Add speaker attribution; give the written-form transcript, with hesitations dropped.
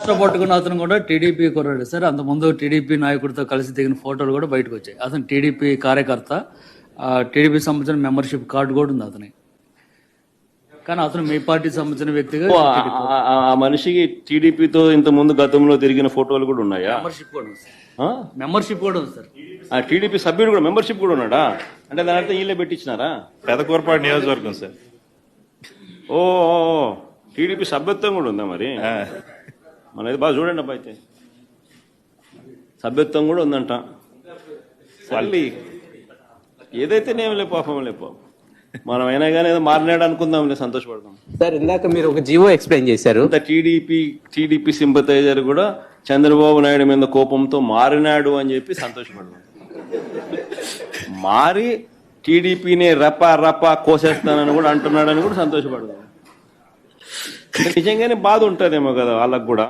Speaker 1: పట్టుకున్న అతను కూడా టీడీపీ కుర్రాడు సార్. అంతకుముందు టీడీపీ నాయకుడితో కలిసి దిగిన ఫోటోలు కూడా బయటకు వచ్చాయి. అతను టీడీపీ కార్యకర్త, టీడీపీ సంబంధించిన మెంబర్షిప్ కార్డు కూడా ఉంది అతని. కానీ అతను మీ పార్టీ సంబంధించిన వ్యక్తిగా
Speaker 2: ఆ మనిషికి టీడీపీతో ఇంత ముందు గతంలో తిరిగిన ఫోటోలు కూడా ఉన్నాయా?
Speaker 1: మెంబర్షిప్ కూడా ఉంది సార్. మెంబర్షిప్ కూడా ఉంది సార్.
Speaker 2: ఆ టీడీపీ సభ్యుడు కూడా మెంబర్షిప్ కూడా ఉన్నాడా? అంటే దాని అర్థం వీళ్ళే పెట్టించినారా?
Speaker 3: పెదకూరపాడు నియోజకవర్గం సార్.
Speaker 2: ఓ టీడీపీ సభ్యత్వం కూడా ఉందా మరి? మన బాగా చూడండి అబ్బా, అయితే సభ్యత్వం కూడా ఉందంట. మళ్ళీ ఏదైతేనేం లే పాపం మనం అయినా కానీ ఏదో మారినాడు అనుకుందాంలే, సంతోషపడదాం.
Speaker 4: సార్ ఇందాక మీరు ఒక జీవో ఎక్స్ప్లెయిన్ చేశారు.
Speaker 2: టీడీపీ సింపథైజర్ కూడా చంద్రబాబు నాయుడు మీద కోపంతో మారినాడు అని చెప్పి సంతోషపడదాం. మారి టీడీపీని రపా కోసేస్తానని కూడా అంటున్నాడని కూడా సంతోషపడదాం. నిజంగానే బాధ ఉంటుందేమో కదా వాళ్ళకు కూడా.